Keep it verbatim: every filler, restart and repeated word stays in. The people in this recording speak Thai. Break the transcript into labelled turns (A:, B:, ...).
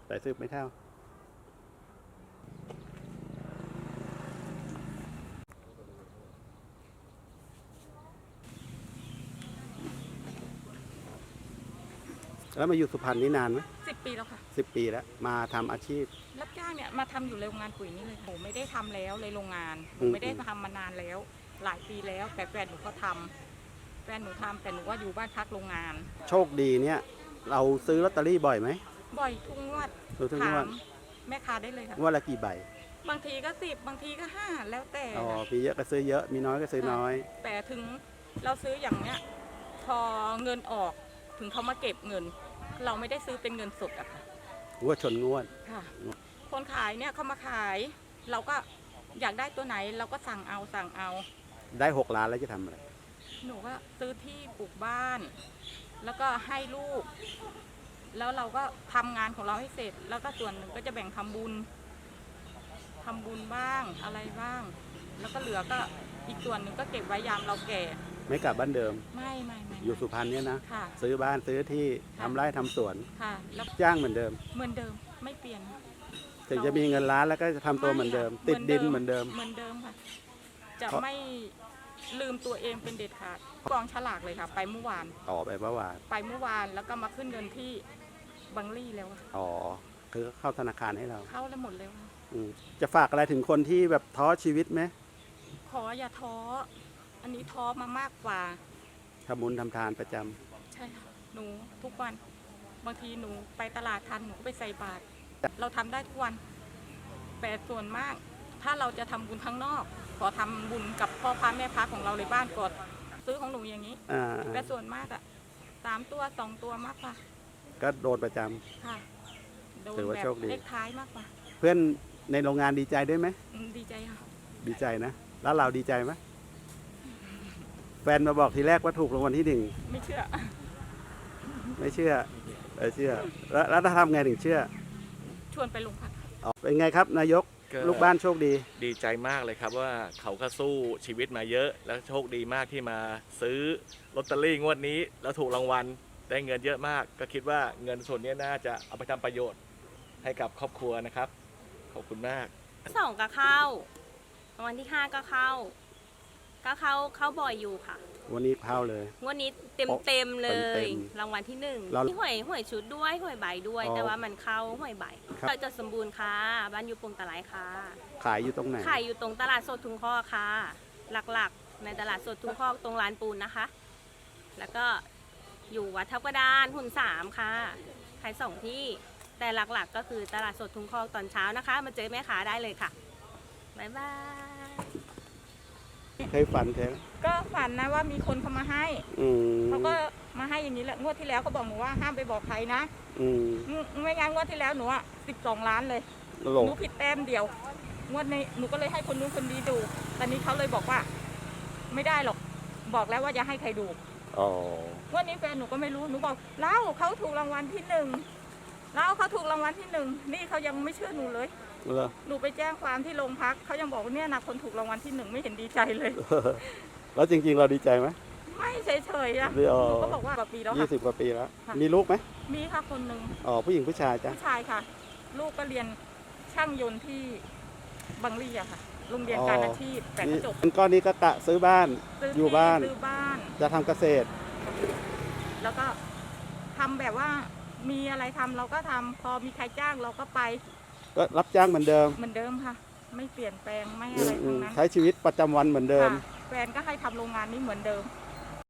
A: สายสืบไม่เท่าแล้วมาอยู่สุพรรณนี่นานไหม
B: สิบปีแล้วค่ะ
A: สิบปีแล้วมาทำอาชีพ
B: รับจ้างเนี่ยมาทำอยู่โรงงานปุ๋ยนี่เลยหนูไม่ได้ทำแล้วเลยโรงงานหนูไม่ได้ทำมานานแล้วหลายปีแล้วแต่แฟนหนูก็ทำแฟนหนูทำแต่หนูว่าอยู่บ้านพักโรงงาน
A: โชคดีเนี่ยเราซื้อลอตเตอรี่บ่อยไหม
B: บ่อยทุกงวด
A: ทุกงวด
B: แม่ค้าได้เลยค่ะ
A: งวดละกี่ใบบ
B: างทีก็สิบบางทีก็ห้าแล้วแต่
A: อ๋อมีเยอะก็ซื้อเยอะมีน้อยก็ซื้อน้อย
B: แต่ถึงเราซื้ออย่างเนี้ยพอเงินออกถึงเขามาเก็บเงินเราไม่ได้ซื้อเป็นเงินสดอะค่ะ
A: งวดชนงวด
B: ค่ะคนขายเนี่ยเขามาขายเราก็อยากได้ตัวไหนเราก็สั่งเอาสั่งเอา
A: ได้หกล้านแล้วจะทำอะไร
B: หนูก็ซื้อที่ปลูกบ้านแล้วก็ให้ลูกแล้วเราก็ทำงานของเราให้เสร็จแล้วก็ส่วนหนึ่งก็จะแบ่งทำบุญทำบุญบ้างอะไรบ้างแล้วก็เหลือก็อีกส่วนหนึ่งก็เก็บไว้ยามเราแก่
A: ไม่กลับบ้านเดิม
B: ไม่ไม่ไม่
A: อยู่สุพรรณเนี่ยนะ
B: ค่ะ
A: ซื้อบ้านซื้อที่ทำไร่ทำสวน
B: ค่ะแล้ว
A: จ้างเหมือนเดิม
B: เหมือนเดิมไม่เปลี่ยน
A: ถึงจะมีเงินล้านแล้วก็จะทำตัวเหมือนเดิมติดดินเหมือนเดิม
B: เหมือนเดิมค่ะจะไม่ลืมตัวเองเป็นเด็ดขาดกองฉลากเลยค่ะไปเมื่อวาน
A: ต่อไปเมื่อวาน
B: ไปเมื่อวานแล้วก็มาขึ้นเงินที่บังลี่แล้ว
A: อ๋อคือเข้าธนาคารให้เรา
B: เข้าแล้วหมดแล้ว
A: จะฝากอะไรถึงคนที่แบบท้อชีวิตไหม
B: ขออย่าท้ออันนี้ท้อมามากกว่า
A: ทำบุญทำทานประจำ
B: ใช่ค่ะหนูทุกวันบางทีหนูไปตลาดทันหนูก็ไปใส่บาตรเราทำได้ทุกวันแต่ส่วนมากถ้าเราจะทำบุญข้างนอกขอทำบุญกับพ่อพระแม่พระของเราในบ้านก่อนซื้อของหนูอย่างนี้แต่ส่วนมากอะสามตัวสองตัวมากกว่า
A: ก็โดนประจำ
B: ค่ะโดนแบบเลขท้ายมากกว่า
A: เพื่อนในโรงงานดีใจด้วยไหม
B: ดีใจค่ะ
A: ดีใจนะแล้วเราดีใจไหมแฟนมาบอกทีแรกว่าถูกรางวัลที่หนึ่ง
B: ไม่เชื่อ
A: ไม่เชื่อเออเชื่อแล้วแล้วทำไงถึงเชื่อ
B: ชวนไปโรงพัก
A: เป็นไงครับนายกลูกบ้านโชคดี
C: ดีใจมากเลยครับว่าเขาก็สู้ชีวิตมาเยอะแล้วโชคดีมากที่มาซื้อลอตเตอรี่งวดนี้แล้วถูกรางวัลได้เงินเยอะมากก็คิดว่าเงินส่วนนี้น่าจะเอาไปทำประโยชน์ให้กับครอบครัวนะครับขอบคุณมาก
D: สองก็เข้ารางวัลที่ห้าก็เข้าก็เข้าเข้าบ่อยอยู่ค่ะ
A: วันนี้เข้าเลย
D: วันนี้เต็มเต็มเลยรางวัลที่หนึ่งที่หวยหวยชุดด้วยหวยใบด้วยแต่ว่ามันเข้าหวยใบเราจะสมบูรณ์ค่ะบ้านอยู่ปงตะไลค่ะ
A: ขายอยู่ตรงไหน
D: ขายอยู่ตรงตลาดสดทุ่งคอกค่ะหลักๆในตลาดสดทุ่งคอกตรงร้านปูนนะคะแล้วก็อยู่วัดทับกระดานหุ่นสามค่ะขายสองที่แต่หลักๆก็คือตลาดสดทุ่งคอกตอนเช้านะคะมาเจอแม่ค้าได้เลยค่ะบ๊ายบาย
A: เคยฝันเคย
B: ก็ฝันนะว่ามีคนเขามาให้เขาก็มาให้อย่างนี้แหละงวดที่แล้วเขาบอกหนูว่าห้ามไปบอกใครนะไม่งั้นงวดที่แล้วหนูอ่ะสิบสองล้านเลยหนูผิดแต้มเดียวงวดนี้หนูก็เลยให้คนนู้นคนนี้ดูตอนนี้เขาเลยบอกว่าไม่ได้หรอกบอกแล้วว่าจะให้ใครดูงวดนี้แฟนหนูก็ไม่รู้หนูบอกเล่าเขาถูกรางวัลที่หนึ่งแล้วเขาถูกรางวัลที่หนึ่งนี่เขายังไม่เชื่อหนูเลยหนูไปแจ้งความที่โรงพักเขายังบอกว่าเนี่ยนะคนถูกรางวัลที่หนึ่งไม่เห็นดีใจเลย
A: แล้วจริงๆเราดีใจไหม
B: ไม่เฉยๆอะหนูก็บอกว่าปีปีแล้ว
A: ยี่สิบกว่าปีแล้วมีลูกไหม
B: มีค่ะคนหนึ่ง
A: อ๋อผู้หญิงผู้ชายจ้ะ
B: ผู้ชายค่ะลูกก็เรียนช่างยนต์ที่บังลี่อะค่ะโรงเรียนการอาชีพแต่ก็จบ
A: ก้อนนี้ก็กะซื้อบ้านอยู่บ้าน
B: ซื้อบ้าน
A: จะทำเกษตร
B: แล้วก็ทำแบบว่ามีอะไรทำเราก็ทำพอมีใครจ้างเราก็ไป
A: ก็รับจ้างเหมือนเดิม
B: เหมือนเดิมค่ะไม่เปลี่ยนแปลงไม่อะไรทั้งนั้น
A: ใช้ชีวิตประจำวันเหมือนเดิม
B: แฟนก็ให้ทำโรงงานนี้เหมือนเดิม